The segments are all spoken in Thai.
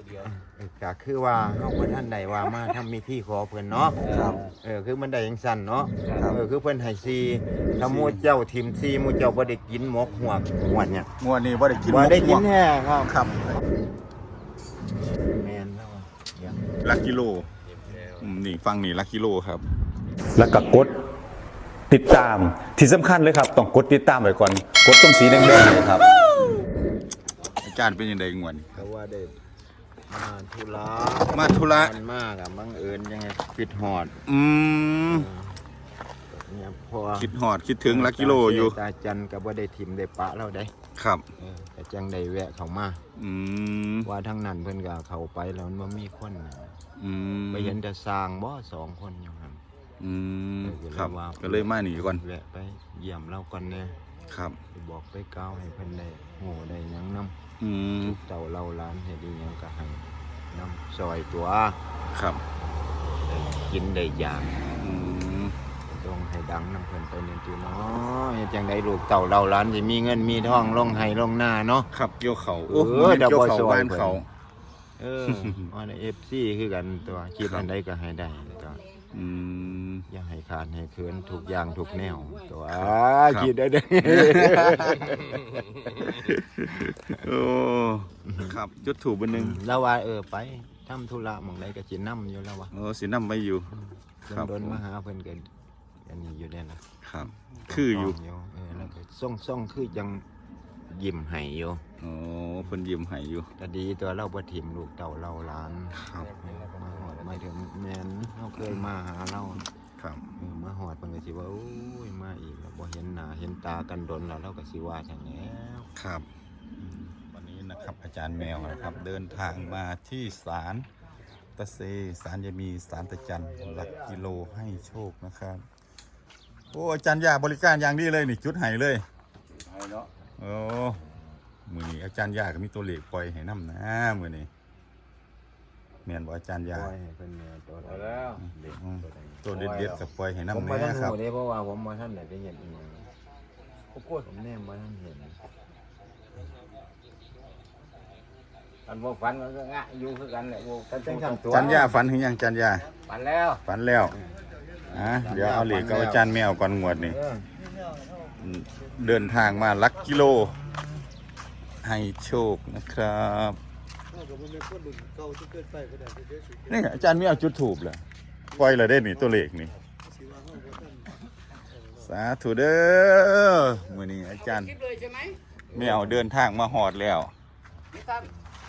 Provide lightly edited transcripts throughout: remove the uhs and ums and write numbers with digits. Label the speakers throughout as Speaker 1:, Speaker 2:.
Speaker 1: ก็คือว่าเฮาบ่ทันได้ว่ามาทำพิธีขอเพิ่นเนาะ
Speaker 2: ครับ
Speaker 1: คือมันได้จังซั่นเนาะคือเพิ่นให้ซีถ้าหมู่เจ้าทิ่มซีหมู่เจ้าบ่ได้กินหมกหวดเนี่ย
Speaker 2: งวดนี้บ่ได้กิน
Speaker 1: บ่ได้กินแท้ครับ
Speaker 2: ครับ
Speaker 1: แม่นแล้วอย่าง
Speaker 2: ลักกิโลนี่ฟังนี่ลักกิโลครับ
Speaker 3: แล้วก็กดติดตามที่สำคัญเลยครับต้องกดติดตามไว้ก่อนกดตรงสีแดงๆเลยครับ
Speaker 2: อาจารย์เป็นยังไงงวดนี้
Speaker 1: ก็ว่าได้มาธุระ
Speaker 2: มาธุระ
Speaker 1: มันมากบังเอิญยังไงปิดหอด เนี่ยพอ
Speaker 2: คิดหอดคิดถึงลักกิโลอยู่
Speaker 1: ตาจันก็บ่ได้ทิมได้ปะเราได้
Speaker 2: ครับ
Speaker 1: แต่จังได้แวะเข้ามา ว่าทั้งนั้นเพิ่นก็เข้าไปแล้วมันบ่มีคนไปเห็นแต่สร้างบ่2 คนอยู่หั่น
Speaker 2: ครับก็เลยมาหนีก่อน
Speaker 1: แวะไปเยี่ยมเราก่อนแน่
Speaker 2: ครับ
Speaker 1: ไปบอกไปกล่าวให้เพิ่นได้โหได้หยังนำเจ้าเล่าร้านให้ดีหยังก็ให้นำซอยตัว
Speaker 2: ครับ
Speaker 1: ได้กินได้อย่างต้องให้ดังนำเพิ่นไปนี่ติเนาะเฮ็ดจังได๋ลูกเต้าเล่าร้านสิมีเงินมีทองลงให้ลงหน้าเนาะ
Speaker 2: ครับเกี่ยวเขา
Speaker 1: เดี๋ยว
Speaker 2: เกี่ยว
Speaker 1: บ่
Speaker 2: เขา
Speaker 1: ซอย
Speaker 2: บ้านเขา
Speaker 1: อัน FC คือกันตัวคิดอันใดก็ให้ได้ตัวอย่าให้ขาดให้เขินทุกอย่างทุกแนวตัวคิดได้เด้อ
Speaker 2: โอ้ครับจุดถูกบันหนึ่ง
Speaker 1: แล้วว่าไปทำธุระหม่องใดก็สินำอยู่แล้วว่า
Speaker 2: โอ้สินำไปอยู่ ครับ
Speaker 1: โดนมาหาเพิ่นก็อันนี้อยู่ได้ล่ะ
Speaker 2: ครับ คืออยู่
Speaker 1: แล้วก็ส่งคือยังยิ้มให้อยู่
Speaker 2: โอ้เพิ่นยิ้มให้อยู่
Speaker 1: ก็ดีตัวเราบ่ถิ่มลูกเต้าเราหลาน
Speaker 2: ครับ
Speaker 1: มาฮอดมาถึงแม่นเฮาเคยมาหาเรา
Speaker 2: ครับ
Speaker 1: มาฮอดเพิ่นก็สิว่าโอ้ยมาอีกแล้วบ่เห็นหน้าเห็นตากันดนแล้วเราก็สิว่าจังแล้ว
Speaker 2: ครับวันนี้นะครับอาจารย์แมวนะครับ เดินทางมาที่ศาลตะเซศาลยามีศาลตะจันหลักกิโลให้โชคนะครับโอ้อาจารย์ยาบริการอย่างดีเลยนี่จุดไห้เลยโอ้มือนี้อาจารย์ยาก็มีตัวเลขปล่อยให้น้ำนะมือนี้แม่นบอกอาจารย์ยา
Speaker 1: ปล่อยให้เพิ่นเนี่ยตัวแล้วเด็กตัวใด
Speaker 2: ตัวเด็ดๆกับปล่อยให้
Speaker 1: ผม
Speaker 2: น้ำ
Speaker 1: บ่ทั
Speaker 2: แน่
Speaker 1: น
Speaker 2: ครับ
Speaker 1: รู้เด้เพราะว่าผมบ่ทันได้ไปเห็นอีหยังผมแนมบ่ทันเห็น
Speaker 4: อันบ่ฝันมันก็งะอยู่คือกันแหละบ่
Speaker 1: กันจังซั่นตัว
Speaker 2: อาจารย์ยาฝันถึงยังอาจารย์ยา
Speaker 4: ฝันแล้ว
Speaker 2: ฝันแล้วเดี๋ยวเอาเหล็กกับอาจารย์แมวก่อนงวดนี่เดินทางมาลักกิโล ให้โชคนะครับนี่อาจารย์แมวจุดถูกเลยปล่อยเลยได้นี่ตัวเลขนี่สาธุเด้อมื้อนี้อาจารย์
Speaker 4: คิดเลยใช่ไหม
Speaker 2: แมวเดินทางมาหอดแล้ว
Speaker 4: พี่ตั้ม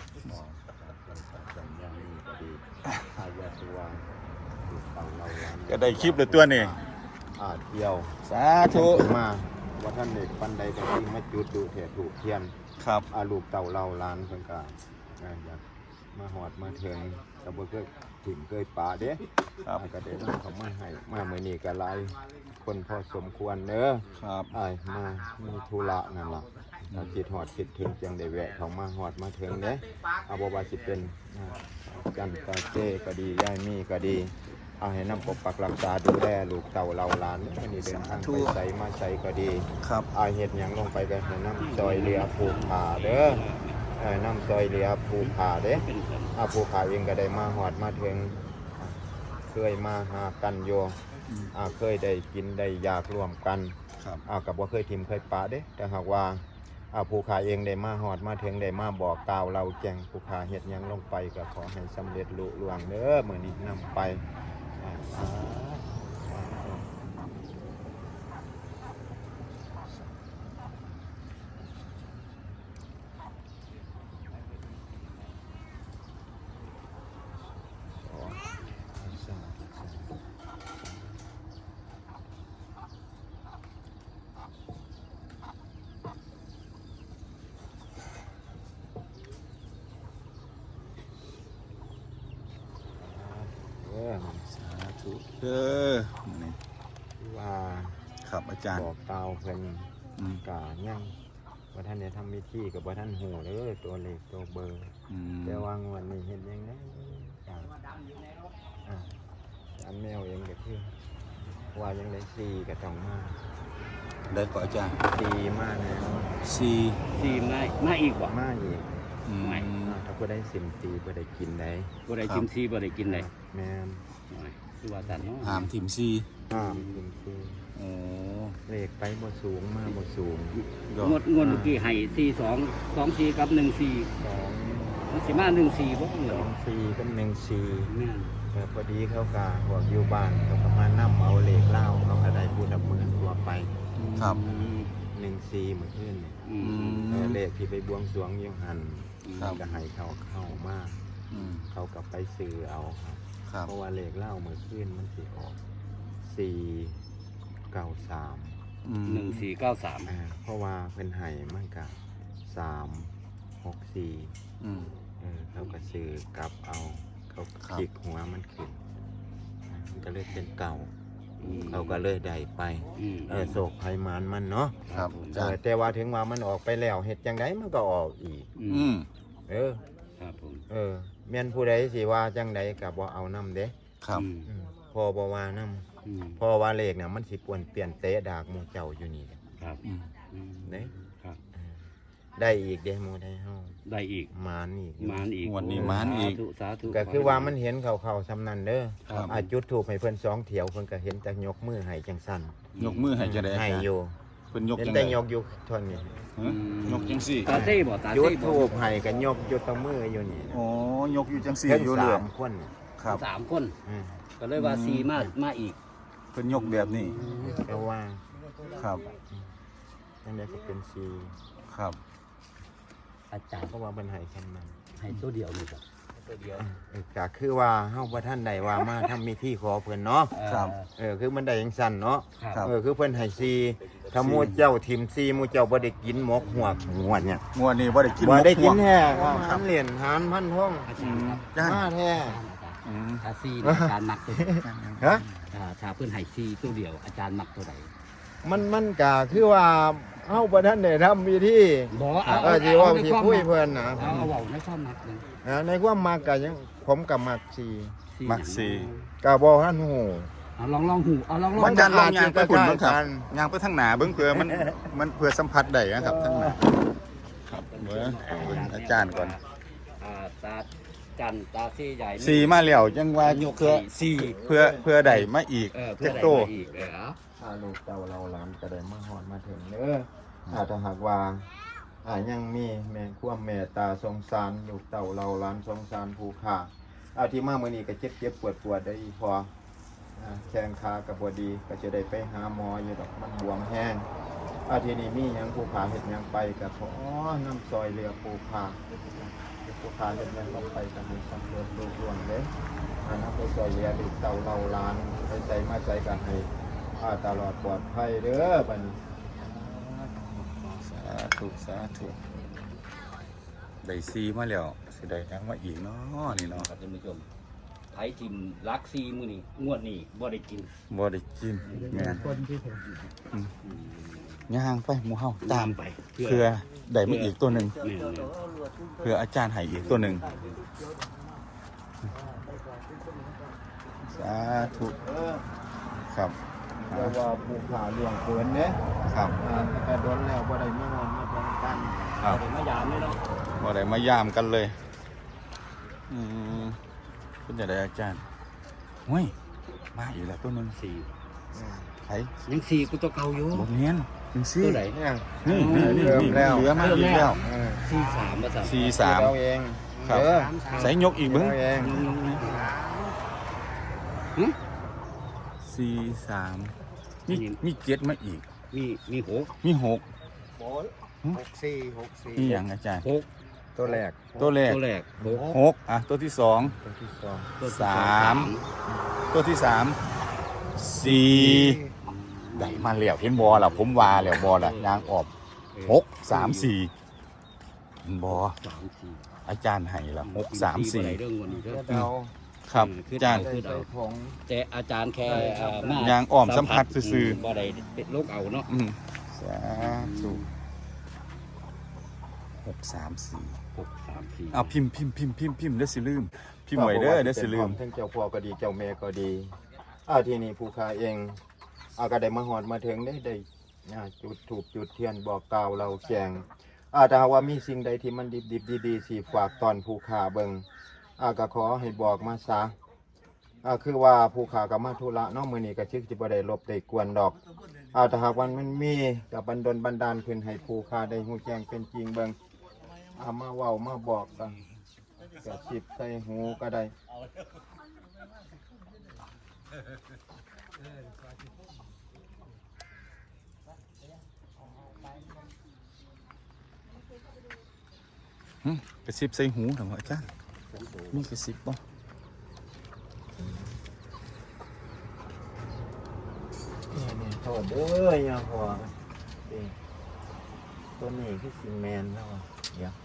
Speaker 2: ก็ได้คลิปเลยตัวนี่
Speaker 1: เที่ยว
Speaker 2: สาธุ
Speaker 1: มาว่าท่านเด็กปันใดก็ที่มาจุดดูเถียถูกเทียน
Speaker 2: ครับ
Speaker 1: ลูกเต่าเราล้านเพิ่นก็อยากมาหอดมาเถิงก็บ่เคยถิ่มเคยป่าเด้
Speaker 2: ครับ
Speaker 1: ก็ได้นำเขามาให้มามื้อนี้ก็หลายคนพอสมควรเด้อ
Speaker 2: ครับ
Speaker 1: มามีธุระนั่นล่ะถ้าคิดฮอดคิดถึงจังได้แวะเข้ามาฮอดมาเถิงเด้บ่ว่าสิเป็นจันตาเจ้ก็ดียายมีก็ดีให้นำปกปักรักษาดูแลลูกเต่าเราหลานวันนี้เดินทางไปใส่มาใส่ก็ดี
Speaker 2: ครับ
Speaker 1: เฮ็ดหยังลงไปก็ให้นำซอยเรือผูกผาเด้อนำซอยเรือผูกผาเด้ผูกผาเองก็ได้มาฮอดมาถึงเคยมาหากันโยเคยได้กินได้อยากร่วมกัน
Speaker 2: ครับ
Speaker 1: กับว่าเคยทิมเคยปะเด้แต่หากว่าผู้ขาเองได้มาหอดมาถึงได้มาบอกกล่าวเราแจ้งผู้ขาเฮ็ดหยังลงไปก็ขอให้สำเร็จลุล่วงเด้อมื้อนี้นำไป
Speaker 2: สาธุเด้อนี่
Speaker 1: ว่า
Speaker 2: ครับอาจารย์
Speaker 1: บอกกล่าวเพิ่นกะยังว่าท่านได้ทำพิธีกับว่าท่านหูเด้อตัวเลขตัวเบอร์แต่ว่างวดนี้เฮ็ดยังไงอันแมวเองก็คือว่ายังได้4ก็ต้องมา
Speaker 2: ได้ก่อนอาจารย์
Speaker 1: 4มาแล้ว
Speaker 2: สี่
Speaker 4: สี่มาอีกบ่
Speaker 1: มาอีก
Speaker 2: อืม
Speaker 1: ทถ้าผู้ได้สิมซีผู้ได้กินได้
Speaker 4: บ่ได้กินซีบ่ได้กินได้
Speaker 1: แม่น
Speaker 4: คือว่าสันเนาะ
Speaker 2: หามถิ่มซี
Speaker 1: ห้ามสิมซี
Speaker 2: โอ้
Speaker 1: เลขไปบ่สูงมาบ่สูง
Speaker 4: งวดเมื่อกี้ให้42 24กับ14
Speaker 1: 2
Speaker 4: มันสิมา14บ่เหรอ
Speaker 1: 2 4กับ1 4
Speaker 4: แม่น
Speaker 1: พอดีเขาก็พวกอยู่บ้านเขาก็มานำเอาเลขเล่าเขาก็ได้พูดดับมือตัวไป
Speaker 2: ครับ
Speaker 1: 1 4เหมือนขึ้นนี่
Speaker 4: อืม
Speaker 1: เลขที่ไปบวงสรวงอยังหัน
Speaker 2: ครับ
Speaker 1: ก็ให้เขาเข้ามา
Speaker 2: อืม
Speaker 1: เขาก็ไปซื้อเอาครับ
Speaker 2: ครับ
Speaker 1: เพราะว่าเลขเล่าเมื่อคืนมันสิออก493
Speaker 2: อืม
Speaker 4: 1493
Speaker 1: เพราะว่าเพิ่นให้มันก็364
Speaker 2: อืม
Speaker 1: เขาก็ซื้อกลับเอาเขา
Speaker 2: ครับ
Speaker 1: คลิกหัวมันขึ้นมันก็เลยเป็นเก่า
Speaker 4: อืม
Speaker 1: เขาก็เลยได้ไป โศกภัยมานมันเนาะ
Speaker 2: ครับอาจารย์
Speaker 1: แต่ว่าถึงว่ามันออกไปแล้วเฮ็ดจังไดมันก็ออกอีก
Speaker 2: อืม
Speaker 1: เออ
Speaker 4: ครับผม
Speaker 1: แม่นผู้ใดสิว่าจังไดก็บ่เอานํเด้
Speaker 2: ครับ
Speaker 1: พอบ่ว่านํพอว่าเลขเนี่ยมันสิป่วนเปลี่ยนเตะดากหมู่เจ้าอยู่นี่
Speaker 4: ครับ
Speaker 2: อืม
Speaker 1: เด้
Speaker 4: ครับ
Speaker 1: ได้อีกเด้หมู่ได้เฮา
Speaker 4: ได้อีก
Speaker 1: มานอีก
Speaker 4: มานอีก
Speaker 2: งวดนี้มานอีก
Speaker 4: สาธุ
Speaker 1: ก็คือว่ามันเห็นเข้าๆซำนั้นเด้อ
Speaker 2: ครับ
Speaker 1: จุดธูปให้เพิ่น2เถียวเพิ่นก็เห็นแต่ยกมือให้จังซั่น
Speaker 2: ยกมือให้จะได้อา
Speaker 1: ให้
Speaker 2: จารย์
Speaker 1: อยู่
Speaker 2: เพิ่นยก
Speaker 1: เห็น
Speaker 2: จัง
Speaker 1: แต่
Speaker 2: ได๋
Speaker 1: ยกอยู่เท่านี้
Speaker 2: ฮะยกจังซี่
Speaker 4: ตาเซ่บ่ตา
Speaker 1: จุ
Speaker 4: เซ่
Speaker 1: ด
Speaker 4: บ่
Speaker 1: ธูปให้ก็ยกอยู่ตรงมืออยู่นี่
Speaker 2: อ๋อยกอยู่จังซี่
Speaker 1: เพิ่น
Speaker 2: อยู่เลย
Speaker 1: 3คน
Speaker 2: ครับ
Speaker 4: 3คน
Speaker 1: อืม
Speaker 4: ก็เลยว่า4มาอีก
Speaker 2: เพิ่นยกแบบนี้
Speaker 1: ก็ว่า
Speaker 2: ครับ
Speaker 1: จังได๋ก็เป็น4
Speaker 2: ครับ
Speaker 4: อาจารย์
Speaker 1: เพราะว่าเพิ่นให้ซำนั้น
Speaker 4: ให้ตัวเดียวนี่ครับตัวเดียว
Speaker 1: ก็คือว่าเฮาบ่ทันได้ว่ามาทำมีที่ขอเพิ่นเนาะ
Speaker 2: ครับ
Speaker 1: คือมันได้จังซั่นเนาะ
Speaker 2: ครับ
Speaker 1: คือเพิ่นให้4ถ้าหมู่เจ้าทิม4หมู่เจ้าบ่ได้กินหมกหัวกงวดเนี่ย
Speaker 2: งวดนี้บ่ได้กิน
Speaker 1: บ่ได้กิน
Speaker 2: หมก
Speaker 1: แท้หารเหรียญหารพันท่อง
Speaker 2: อืมจ้า
Speaker 1: มาแท้
Speaker 2: อืม
Speaker 4: ถ้า4นี่อาจารย์มักตัวใด
Speaker 1: ฮะ
Speaker 4: ถ้าเพิ่นให้4ตัวเดียวอาจารย์มักตัวใด
Speaker 1: มันก็คือว่าเฮาบ่ทันได้ทำพิธี
Speaker 4: บ่
Speaker 1: สิว่าสิคุยเพิ่นนะ
Speaker 4: เอาเว้าในความมักนึง
Speaker 1: ในความมักก็ยังผมก็มัก4
Speaker 2: มักสี่
Speaker 1: ก็บ่ทันฮู้
Speaker 4: เอาลองหูเอาลอง
Speaker 2: อาจารย์ลองยางไปพุ่นเบิ่งครับ
Speaker 1: ใกล้ๆกัน
Speaker 2: ยางไปทางหน้าเบิ่งเผื่อมันเผื่อสัมผัสได้นะครับทางหน้าครับเบิ่งอาจารย์ก่อน
Speaker 4: ตาจันตาซี่ใหญ่
Speaker 2: สี่มาแล้วจังว่าย
Speaker 4: ก
Speaker 2: เพื่อ
Speaker 4: สี่
Speaker 2: เพื่อใดมาอีก
Speaker 4: เพื่อ
Speaker 2: จัก
Speaker 4: ได้
Speaker 2: โต
Speaker 4: มาอีก
Speaker 1: ลูกเต้าเราหลานก็ได้มาฮอดมาถึงเด้อถ้าหากว่ายังมีแม่ความเมตตาสงสารลูกเต้าเราหลานสงสารผู้ฆ่าที่มามื้อนี้ก็เจ็บปวดได้อีพอแข้งขาก็บ่ดีก็จะได้ไปหาหมออยู่ดอกมันบวมแห้งทีนี้มีหยังผู้ฆ่าเฮ็ดหยังไปก็ขอน้ำซอยเรือผู้ฆ่าผู้ฆ่าเฮ็ดหยังก็ไปก็ให้สำเร็จลุล่วงเด้นำไปซอยเรือลูกเต้าเราหลานไปใส่มาใส่ก็ให้ตลอดปลอดภัยเด้อบัดนี้
Speaker 2: สาธุสาธุได้ซีมาแล้วสิได้ยังมาอีกเนาะนี่เนาะ
Speaker 4: ครับท่านผู้ชมไผทิมลักซีมื้อนี้งวดนี้บ่ได้กิน
Speaker 2: บ่ได้กินแม่นย่างไปหมู่เฮาตาม
Speaker 4: ไป
Speaker 2: เพื่อได้มาอีกตัวหนึง
Speaker 4: แม่น
Speaker 2: เพื่ออาจารย์ให้อีกตัวหนึงสาธุครับ
Speaker 1: เพราะว่าผู้ขาเลี้ยงเกินเด้
Speaker 2: ครับ
Speaker 1: แต่โดนแล้วบ่ได้มาฮอดมาฟังกัน
Speaker 2: ครับ
Speaker 4: ๆมายามเลยเนาะ
Speaker 2: บ่ได้มายามกันเลยเป็นจังไดอาจารย์เฮ้ยมาอีกแล้วตัวหนึง
Speaker 4: 4
Speaker 2: ไผ
Speaker 4: ยัง4กูตัวเก่าอยู่
Speaker 2: บ่แม่นจังซี่
Speaker 4: ตัวไหน
Speaker 1: เนี่ย
Speaker 2: นี่
Speaker 1: เริ่มแล้ว
Speaker 2: เหลือมาอีกแล้ว
Speaker 4: 43ว่าซั่น
Speaker 2: 43
Speaker 1: เราเอง
Speaker 2: ครับ ใส่ยกอีกเบิ้ง
Speaker 1: เราเอง
Speaker 2: 43มีเจ็ดมาอีก
Speaker 4: มี6
Speaker 2: มีหก
Speaker 1: 64
Speaker 2: มีอย่างอาจารย์
Speaker 4: 6
Speaker 1: ตัวแรก
Speaker 2: ตัวแรก
Speaker 4: ตัวแรก
Speaker 2: หกตัวที่สอง
Speaker 1: ตัวที่สอง
Speaker 2: สามตัวที่สามสี่ได้มาแล้วเห็นบอล่ะผมว่าแล้วบอล่ะยางออก6 3 4บอ
Speaker 4: 3
Speaker 2: อาจารย์ให้ละ
Speaker 4: 4
Speaker 2: 6 3
Speaker 4: เรื่องวันนี้เด้อ
Speaker 1: เดา
Speaker 2: 4ครับอาจารย์
Speaker 1: ใส่ผง
Speaker 4: แต่อาจารย์แค่มาย
Speaker 2: างอ้อมสัมผัสซื่อๆ
Speaker 4: บ่ได้เป็นโรคเอาเนาะ
Speaker 2: สาธุ6 3 4
Speaker 4: 634
Speaker 2: เอาพิมพ์เด้อสิลืมพิมพ์ไว้เด้อเด้อสิลืม
Speaker 1: ทั้งเจ้าพ่อก็ดีเจ้าแม่ก็ดีทีนี้ผู้ค้าเองก็ได้มาฮอดมาถึงได้จุดถูกจุดเทียนบอกกล่าวเราแข่งถ้าหากว่ามีสิ่งใดที่มันดิบๆดีๆสิฝากตอนผู้ขาเบิ่งก็ขอให้บอกมาซะคือว่าผู้ขาก็มาธุระเนาะมื้อนี้ก็ชึกสิบ่ได้รบได้กวนดอกถ้าหากว่ามันมีก็บันดลบันดาลขึ้นให้ผู้ขาได้ฮู้แจ้งเป็นจริงเบิ่งมาเว้ามาบอกกันก็สิบใส่หูก็ได้
Speaker 2: กระซิบใส่หูเหรออาจารย์มีกระซิบป่ะ
Speaker 1: นี่โทษเด้ออย่าหัวตัวนี้คือซีเมนต์แล้วเดี๋ยว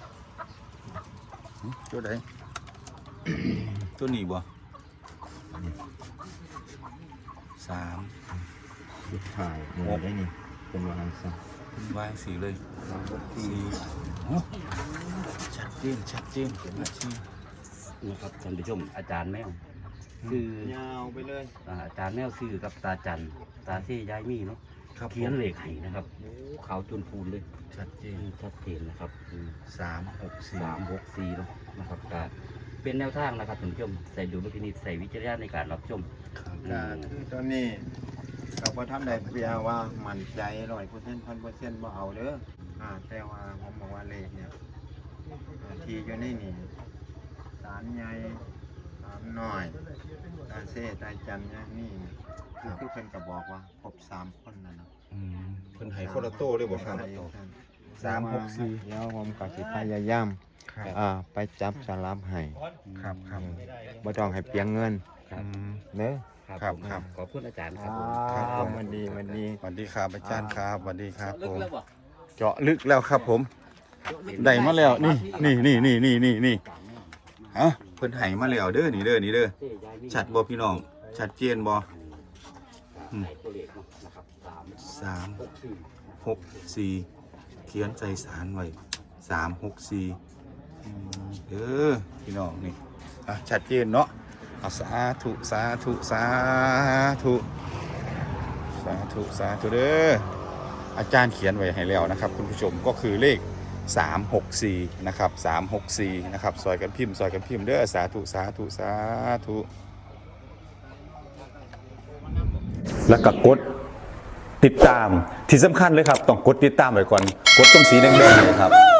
Speaker 2: ตัวใด ตัวนี้บ่3
Speaker 1: สุดท้ายหมดได้นี่เป็นวางซะ
Speaker 2: วางสีเลยสีโอ้ชัดเจนชัดเจนอาชีพ
Speaker 5: นะครับท่านผู้ชมอาจารย์แมวซื้อย
Speaker 1: าวไปเลย
Speaker 5: อาจารย์แมวซื้อกับตาจันตาเซ่ยายมีเนาะ
Speaker 2: ครับ
Speaker 5: เขียนเลขให้นะครับโอ้ขาวจนพูนเลย
Speaker 2: ชัดเจน
Speaker 5: ชัดเจนนะครับ
Speaker 2: 364
Speaker 5: 364เนาะนะครับก็เป็นแนวทางนะครับท่านผู้ชมใส่ดูลพินิจใส่วิจารณญาณในการรับชม
Speaker 1: ก็คือตัวนี้เราพอทำได้เพียงว่ามั่นใจ100% 1,000%บ่เอาเด้อแต่ว่าผมบอกว่าเลขเนี่ยที่อยู่ในนี่สารใหญ่สารน้อยตาเซ่ตาจันเนี่ยนี่คือเพิ่นก็บอกว่าครบ3คนนั่นน่ะ
Speaker 2: เพิ่นให้คนละโตเลยบ่ครับ 364
Speaker 1: เดี๋ยวผมก็สิพยายาม
Speaker 2: ครับ
Speaker 1: ไปจับสลับให้
Speaker 2: ครับครับ
Speaker 1: บ่ต้องให้เปลียงเงิน
Speaker 2: อืม
Speaker 1: เด้อ
Speaker 2: ครับ
Speaker 5: ผม
Speaker 2: ครับ
Speaker 5: ขอบคุณอาจารย์ครับผม
Speaker 2: ครับผม
Speaker 1: วันดี
Speaker 2: สวัสดีครับอาจารย์ครับสวัสดีครับ
Speaker 5: ลึ
Speaker 2: ผ
Speaker 5: ก
Speaker 2: ม
Speaker 5: แล้วบ่
Speaker 2: เจาะลึกแล้วครับผมได้มาแล้วนี่ฮะเพิ่นให้มาแล้วเด้อนี่เด้อ
Speaker 5: เซ่ยายมี
Speaker 2: ชัดบ่พี่น้องชัดเจนบ่
Speaker 5: ใส่ตัวเลขเนาะนะครับ364
Speaker 2: 364เขียนใส่สารไว้364เออพี่น้องนี่ชัดเจนเนาะเอาสาธุสาธุสาธุสาธุสาธุเด้ออาจารย์เขียนไว้ให้แล้วนะครับคุณผู้ชมก็คือเลข364นะครับ364นะครับซอยกันพิมพ์เด้อสาธุสาธุสาธุ
Speaker 3: แล้วก็กดติดตามที่สำคัญเลยครับต้องกดติดตามไว้ก่อนกดตรงสีแดงๆเนยครับ